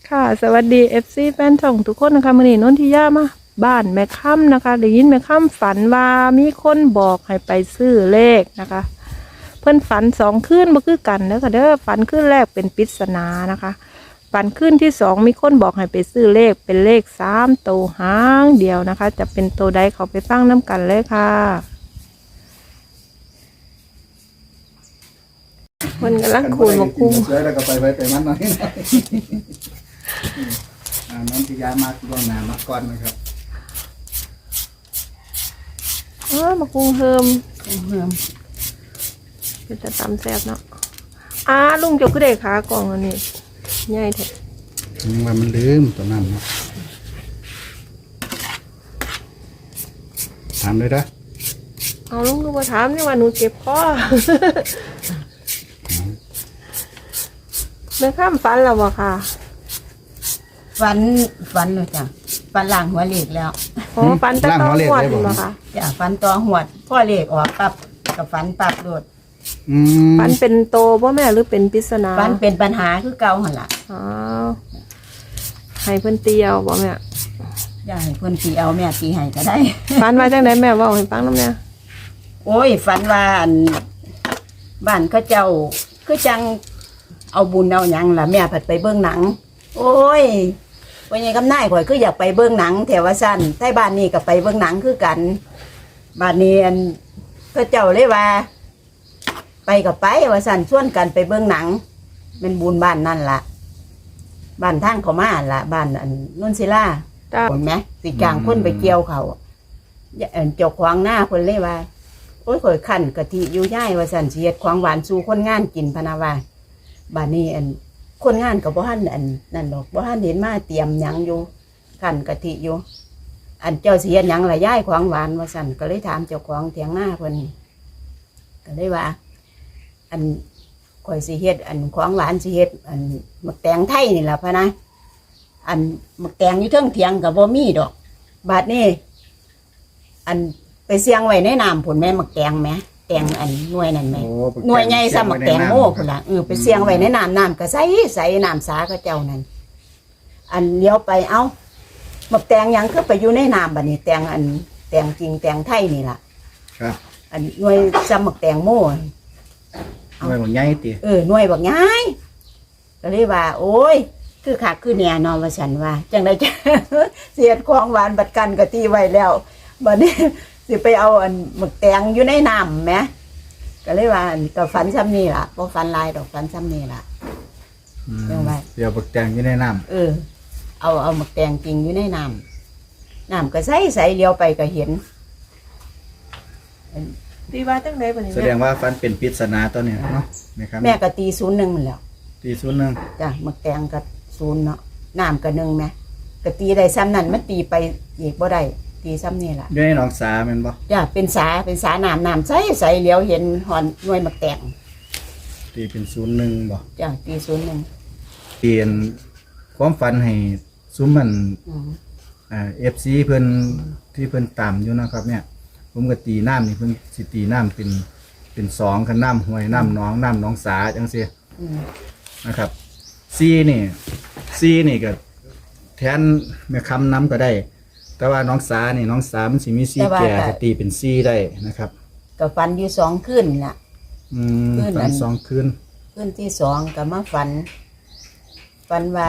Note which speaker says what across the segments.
Speaker 1: ค่ะสวัสดี FC แฟนช่องทุกคนนะคะมื้อนี้นนทิยามาบ้านแม่ค่ำนะคะได้ยินแม่ค่ำฝันว่ามีคนบอกให้ไปซื้อเลขนะคะ เพิ่นฝัน2คืนบ่คือกันเด้อค่ะเด้อฝันคืนแรกเป็นปริศนานะคะฝันคืนที่2มีคนบอกให้ไปซื้อเลขเป็นเลข3ตัวหางเดียวนะคะ จะเป็นตัวใดเขาไปฟังน้ำกันเลยค่ะมันกำลังขูดหมกกุ้ง
Speaker 2: สวยแล้วก็ไปไว้ไปมันหน่อยน้องพิยามาล่วงหน้ามาก่อนนะครับ
Speaker 1: หมกกุ้งเฮิมเป็นจะตำแซ่บเนาะลุงเจ้าก็ได้ขากล่องอันนี้ใหญ่แท้
Speaker 2: ว่ามันลืมตัวนั้นเนาะถามเลยนะ
Speaker 1: เอาลุงก็มาถามนี่ว่าหนูเจ็บคอ แม่ข้ามฝันแล้วบ่ค่ะ
Speaker 3: ฝันเลยจ้ะฝันล่างหัวเหล็กแล้ว
Speaker 1: โอ้ฝันแต่ต้องหวดบ่ค่ะ
Speaker 3: จ้ะฝันตัวหวดพ่อเหล็กออกปั๊บกับฝันปั๊บโดด
Speaker 1: ฝันเป็นโตบ่แม่หรือเป็นปริศนา
Speaker 3: ฝันเป็นปัญหาคือเก่าหั่นล่ะ
Speaker 1: อ๋อให้เพิ่นเตียวบ่แม่
Speaker 3: อย่าให้เพิ่นตีเอาแม่ตีให้ก็ได้
Speaker 1: ฝันว่าจังไดแม่เว้าให้ฟังนำแม่
Speaker 3: โอ้ยฝันว่าอันบ้านเขาเจ้าคือจังเอาบุญเอาหยังล่ะแม่ผัดไปเบิ่งหนัง โอ้ยวันนี้กำนายข่อยคืออยากไปเบิ่งหนังแถวว่าสั้นใต้บ้านนี้ก็ไปเบิ่งหนังคือกันบ้านนี้อันเขาเจ้าเลยว่า ไปกับไปว่าสั้นชวนกันไปเบิ่งหนังเป็นบุญบ้านนั่นล่ะบ้านทางเขามาล่ะบ้านอันนุ่นศิลา
Speaker 1: จ้า
Speaker 3: เห็นไหมสิกลางคนไปเกี่ยวเขาเจ้าขวางหน้าคนเลยว่าโอ้ยข่อยขันกะทิอยู่ย่ายว่าสันเสียดของหวานสู่คนงานกินพะนาว่าบ้านนี้อันคนงานกับบ่ฮั่นอันนั่นดอกบ่ฮั่นเห็นมาเตรียมหยังอยู่ขันกะทิอยู่ อันเจ้าเสียดหยังละย่ายของหวานว่าสันก็เลยถามเจ้าของเถียงหน้าเพิ่นก็เลยว่า อันข่อยสิเฮ็ดอันของหวานสิเฮ็ดอันหมักแตงไทยนี่ล่ะพะนะอันหมักแตงอยู่เทิงเถียงกับบ่มีดอกบาดนี้อันไปเสียงไว้ในน้ำผลแม่หมักแตงแม่แตงอันหน่วยนั่นแม่หน่วยใหญ่ซ้ำหมักแตงโม่พุ่นล่ะไปเสียงไว้ในน้ำก็ใสน้ำสาก็เจ้านั่นอันเลี้ยวไปเอ้าหมักแตงหยังคือไปอยู่ในน้ำบัดนี้แตงอันแตงจริงแตงไทยนี่ล่ะ
Speaker 2: ครับ
Speaker 3: อันหน่วยซ้ำหมักแตงโม่
Speaker 2: ไม่บอกใหญ่ตี
Speaker 3: หน่วยบอกง่ายก็เลยว่า โอ้ยคือขาคือเนี่ยนอนว่าฉันว่าจังไดจะ เสียดของหวานบัดกันก็ตีไว้แล้วบัดนี้ สิไปเอาอันหมึกแตงอยู่ในน้ำไหมก็เลยว่าก็ฝันซ้ำนี่ล่ะพอฝันลายดอกฝันซ้ำนี่ล่ะ เรื่องอะไร
Speaker 2: เดี๋ยวบักแตงอยู่ในน้
Speaker 3: เอาหมึกแตงจริงอยู่ในน้ำก็ใสเลี้ยวไปก็เห็น
Speaker 1: ตีว่าจังไดบัดนี้
Speaker 2: ำแสดงว่าฟันเป็นปริศนาตัวเนี้เนาะนะครับ
Speaker 3: แม่ก็ตี01มันแล้ว
Speaker 2: ตีศูนย์หนึ่ง
Speaker 3: จ้ะหมึกแตงก็0เนาะน้ำก็1ไหมก็ตีได้ซ้ำนั่นมันตีไปอีกบ่ได้ตีซ้ำนี่ล่ะ
Speaker 2: อยู่ในหนองสาแมันบ่
Speaker 3: จ้ะเป็นสาน้ำใสเลี้ยวเห็นหอนหน่วยหมักแตง
Speaker 2: ตีเป็น01บ่
Speaker 3: จ้ะตี01
Speaker 2: เปลี่ยนความฝันให้ซุ้มมันFC เพิ่นที่เพิ่นตามอยู่นะครับ เนี่ย ผมก็ตีน้ำนี่เพิ่นสิตีน้ำเป็น2คันน้ำห้วยน้ำหนองน้ำหนองสาจังซี่
Speaker 3: อืม
Speaker 2: นะครับซีนี่ก็แทนแม่คำน้ำก็ได้ แต่ว่าน้องสามันสิมีซีแก่จะตีเป็นซีได้นะครับ
Speaker 3: ก็ฝันอยู่2คืนน่ะ คืนนั้
Speaker 2: ฝัน
Speaker 3: น
Speaker 2: 2 คืน
Speaker 3: คืนที่2ก็มาฝันว่า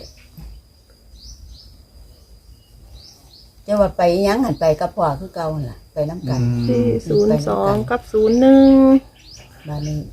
Speaker 3: จะว่าไปหยังหันไปกับพ่อคือเก่าหั่นล่ะไปน้ำกัน
Speaker 1: 402กับ01
Speaker 3: บ้านนี้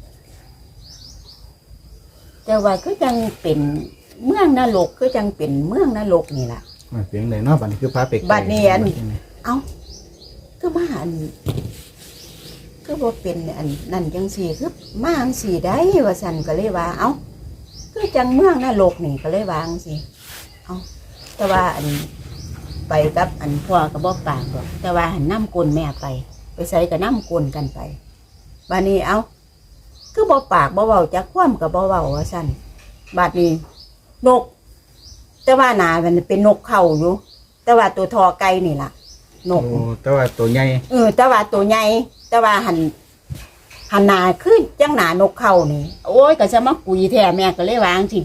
Speaker 3: แต่ว่าคือจังเป็นเมืองนรกคือจังเป็นเมืองนรกนี่ล่ะ
Speaker 2: เพียงใดเนาะบัดนี้คือพาไปไกล
Speaker 3: บัดนี้อัน เอ้าคือมาอันคือบ่เป็นอันนั่นจังซี่คือมาจังซี่ได้ว่าซั่นก็เลยว่า เอ้าคือจังเมืองนรกนี่ก็เลยว่าจังซี่เอ้าแต่ว่าอันไปกับอันพ่อก็บ่ปากดอกแต่ว่าหันน้ำกลนแม่ไปใส่กับน้ำกลนกันไปบัดนี้เอ้าคือบ่ปากบ่เว้าจักความก็บ่เว้าว่าซั่นบัดนี้นก แต่ว่าหนามันเป็นนกเขาอยู่ แต่ว่าตัวทอไก่นี่ล่ะ นก
Speaker 2: โอ้แต่ว่าตัวใหญ่
Speaker 3: แต่ว่าตัวใหญ่แต่ว่าหันหนาคือจังหนานกเขานี่โอ้ยก็จะมากุยแท้แม่ก็เลยวางสิ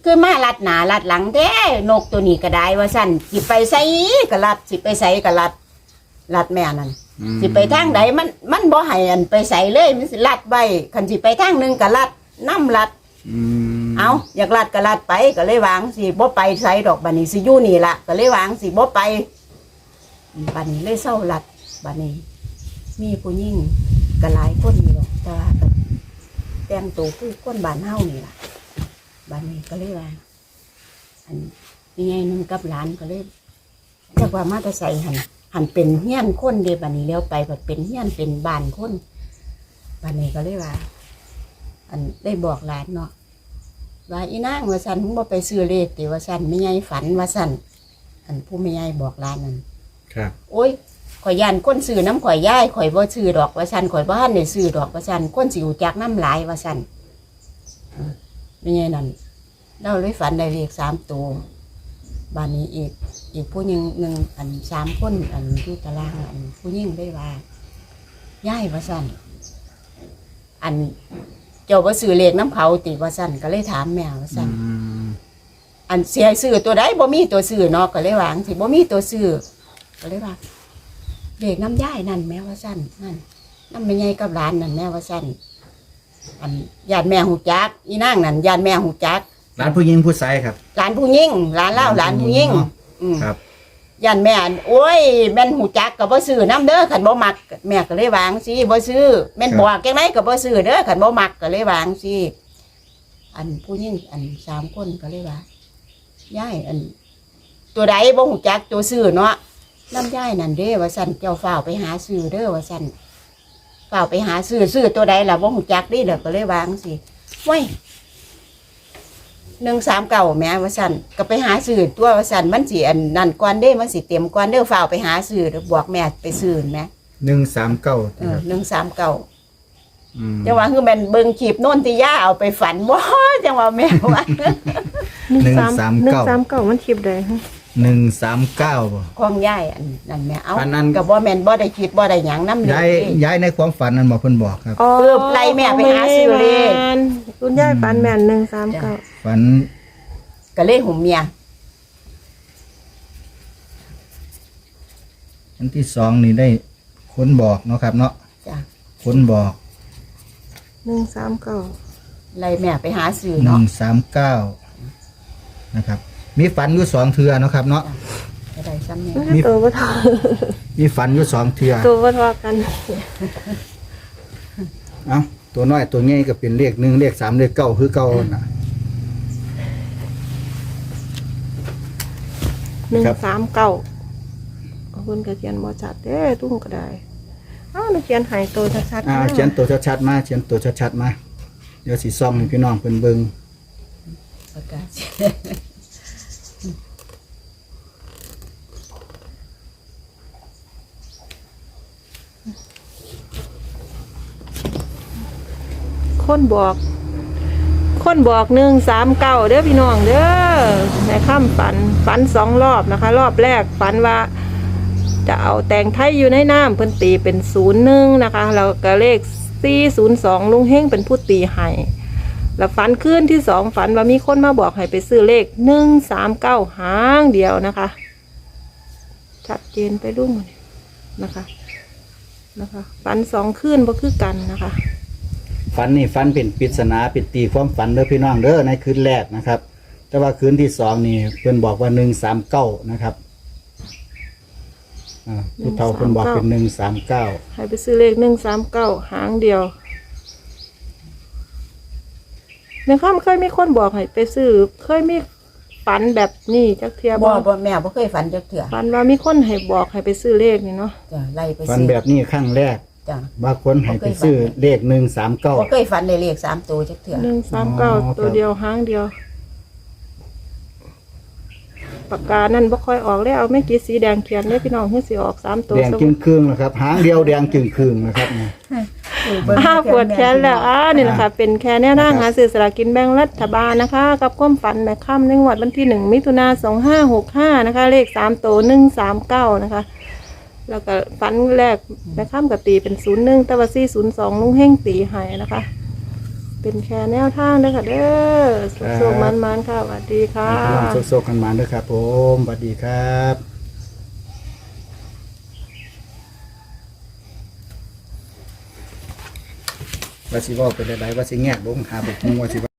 Speaker 3: คือมาลัดหน้าลัดหลังแท้นกตัวนี้ก็ได้ว่าซั่นสิไปไสก็ลัดสิไปไสก็ลัดแม่นั่นสิไปทางใดมันบ่ให้อันไปไสเลยมันสิลัดไว้คันสิไปทางหนึงก็ลัดน้ำลัดเอาอยากลัดก็ลัดไปก็เลยวางสิบ่ไปไสดอกบัดนี้สิอยู่นี่ล่ะก็เลยวางสิบ่ไปบัดนี้เลยเศร้าลัดบัดนี้มีผู้หญิงก็หลายคนอยู่ดอกแต่ว่าก็แต่งตัวคือคนบ้านเฮานี่ล่ะบัดนี้ก็เลยว่าอันยังไงนึงกับหลานก็เลยจักว่ามาแต่ใส่หันเป็นเฮี้ยนคนเด้บัดนี้แล้วไปก็เป็นเฮี้ยนเป็นบ้านคนบัดนี้ก็เลยว่า อันได้บอกหลานเนาะว่าอีนางว่าซั่นมึงบ่ไปซื้อเลขติว่าซั่นแม่ใหญ่ฝันว่าซั่นอันผู้แม่ใหญ่บอกหลานนั่น
Speaker 2: ครับ
Speaker 3: โอ้ยข่อยย่านคนซื้อน้ำข่อยย้ายข่อยบ่ซื้อดอกว่าซั่นข่อยบ่ทันได้ซื้อดอกว่าซั่นคนสิรู้จักน้ำหลายว่าซั่นแม่ใหญ่นั่นเราเลยฝันได้เลข3ตัวบ้านนี้อีกผู้หนึงอัน3คนอันอยู่ตารางอันผู้หญิงได้ว่าย้ายว่าซั่นอันเจ้าบ่ซื้อเลขน้ำเขาติว่าซั่นก็เลยถามแม่ว่าซั่นอันเสียซื้อตัวใดบ่มีตัวซื้อเนาะก็เลยวาจั่งสิบ่มีตัวซื้อก็เลยว่าเลขน้ำย่ายนั่นแม่ว่าซั่นนั่นน้ำแม่ใหญ่กับหลานนั่นแม่ว่าซั่นอันญาติแม่ฮู้จักอีนางนั่นญาติแม่ฮู้จัก
Speaker 2: ร้านผู้หญิงผู้ชายครับ
Speaker 3: หลานผู้หญิงหลานเล่าหลานผู้หญิง
Speaker 2: ครับ
Speaker 3: ญาติแม่โอ้ยแม่นฮู้จักก็บ่ซื้อน้ำเด้อคันบ่มักแม่ก็เลยวาจั่งสิบ่ซื้อแม่นบอกจังไดก็บ่ซื้อเด้อคันบ่มักก็เลยวาจั่งสิอันผู้หญิงอัน3คนก็เลยว่าย่ายอันตัวใดบ่ฮู้จักตัวซื้อเนาะน้ำย่ายนั่นเด้ว่าซั่นเจ้าฝ้าวไปหาซื้อเด้อว่าซั่นฝ้าวไปหาซื้อตัวใดล่ะบ่ฮู้จักเด้เด้อก็เลยวาจั่งสิไว้139แม่ว่าซั่นก็ไปหาซื้อตัวว่าซั่นมันสิอันนั่นก่อนเด้มันสิเต็มก่อนเด้อฝ้าวไปหาซื้อเด้อบอกแม่ไปซื้อแม่139จังว่าคือแม่นเบิ่งคลิปโน่นที่ย่าเอาไปฝันบ่จังว่าแม่ว่า
Speaker 1: 139มันคลิปใดฮะ
Speaker 2: 139บ่
Speaker 3: ของย่ายอันนั่นแม่เอา
Speaker 2: อันนั้น
Speaker 3: ก็บ่แม่นบ่ได้คิดบ่ได้หยังนำ
Speaker 2: ย้ายในความฝันนั้นบ่เพิ่นบอกครับ
Speaker 3: เออไล่แม่ไปหาซื้อเลข
Speaker 1: คุณยายปันแม่น139
Speaker 2: ฝัน
Speaker 3: ก็เลยหุ่มเมีย
Speaker 2: อันที่2นี่ได้คนบอกเนาะครับเนาะ
Speaker 3: จ้ะ
Speaker 2: คนบอก
Speaker 1: 139
Speaker 3: ไล่แม่ไปหาซื้อเนาะ
Speaker 2: 139นะครับ มีฝันอยู่2เทื่อเนาะครับเนาะ
Speaker 3: ก็ได้ซ้ำเนี่ย
Speaker 2: มี
Speaker 1: ตัวบ่เท่า
Speaker 2: มีฝันอยู่2เทื่อ
Speaker 1: ตัวบ่เท่ากัน
Speaker 2: เอ้าตัวน้อยตัวใหญ่ก็เป็นเลข1เลข3เลข9คือเก่าน่ะ
Speaker 1: 139เอาเพิ่นก็เขียนบ่ชัดเด้ตุ้งก็ได้เอ้าเขียนให้ตัวชัดๆ
Speaker 2: เขียนตัวชัดๆมาเขียนตัวชัดๆมาเดี๋ยวสิซ่อมให้พี่น้องเพิ่นเบิ่ง
Speaker 3: ประกาศ
Speaker 1: คนบอก139เด้อพี่น้องเด้อในค่ำฝัน2รอบนะคะ รอบแรกฝันว่าจะเอาแตงไทยอยู่ในน้ำเพิ่นตีเป็น01นะคะแล้วก็เลข402ลุงเฮงเป็นผู้ตีให้แล้วฝันคืนที่2ฝันว่ามีคนมาบอกให้ไปซื้อเลข139หางเดียวนะคะชัดเจนไปรุ่งนะคะฝัน2คืนบ่คือกันนะคะ
Speaker 2: ฝันนี่ฝันเป็นปริศนาเป็นตีความฝันเด้อพี่น้องเด้อในคืนแรกนะครับ แต่ว่าคืนที่2นี่เพิ่นบอกว่า139นะครับผู้เฒ่าเพิ่นบอกเป็น139
Speaker 1: ให้ไปซื้อเลข139หางเดียวในข้ามเคยมีคนบอกให้ไปซื้อเคยมีฝันแบบนี้จักเทีย
Speaker 3: บ่แม่บ่เคยฝันจักเทื่อ
Speaker 1: ฝันว่ามีคนให้บอกให้ไปซื้อเลขนี่เนาะ
Speaker 3: จ้ะไล่ไป
Speaker 2: ฝัน
Speaker 3: ซื้อ
Speaker 2: แบบนี้ครั้งแรก
Speaker 3: จ้ะ
Speaker 2: บางคนให้ไปซื้อเลข
Speaker 3: บ่
Speaker 2: 139
Speaker 3: เคยฝันได้เลข3ตัวจักเทื่อ
Speaker 1: 139ตัวเดียวหางเดียวปากกานั่นบ่ค่อยออกแล้วเอาไม่กี่สีแดงเขียนเลยพี่น้องเพิ่นสิออก3ตัว
Speaker 2: แดงจึงครึ่งนะครับหางเดียวแดงจึงครึ่งนะครับเนี่ย
Speaker 1: ปวดแขนแล้วนี่แหละค่ะเป็นแค่แนวทางหาซื้อสลากกินแบ่งรัฐบาลนะคะ กับความฝันแม่ค่ำในงวดวันที่1มิถุนายน2565นะคะเลข3ตัว139นะคะแล้วก็ฝันแรกแม่ค่ำก็ตีเป็น01แต่ว่า402ลุงเฮงตีให้นะคะเป็นแค่แนวทางเด้อค่ะเด้อสุขๆมันๆค่ะสวัสดีค่ะ
Speaker 2: พี่น้องโซกๆกันมาด้วยครับผมสวัสดีครับว่าสิเว่าเป็นอะไรว่าสิแงกลงหาบุกมุงว่าสิ